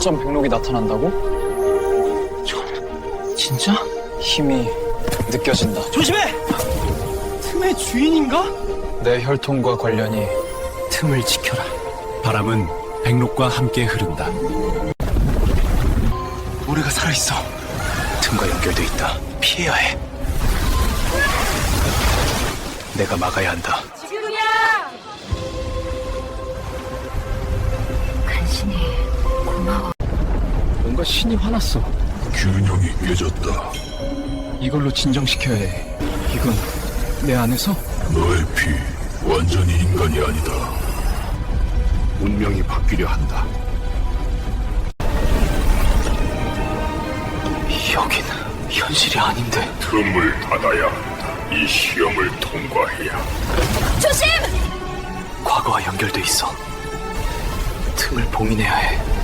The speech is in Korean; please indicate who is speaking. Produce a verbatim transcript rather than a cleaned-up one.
Speaker 1: 점 백록이 나타난다고?
Speaker 2: 진짜?
Speaker 1: 힘이 느껴진다.
Speaker 2: 조심해! 틈의 주인인가?
Speaker 1: 내 혈통과 관련이.
Speaker 2: 틈을 지켜라.
Speaker 3: 바람은 백록과 함께 흐른다.
Speaker 2: 모래가 살아있어. 틈과 연결돼 있다. 피해야 해. 내가 막아야 한다.
Speaker 4: 지금이야! 간신히 고마워.
Speaker 1: 뭔가 신이 화났어.
Speaker 5: 균형이 깨졌다.
Speaker 1: 이걸로 진정시켜야 해. 이건 내 안에서?
Speaker 5: 너의 피 완전히 인간이 아니다. 운명이 바뀌려 한다.
Speaker 2: 여긴 현실이 아닌데.
Speaker 5: 틈을 닫아야 한다. 이 시험을 통과해야.
Speaker 4: 조심!
Speaker 2: 과거와 연결돼 있어. 틈을 봉인해야 해.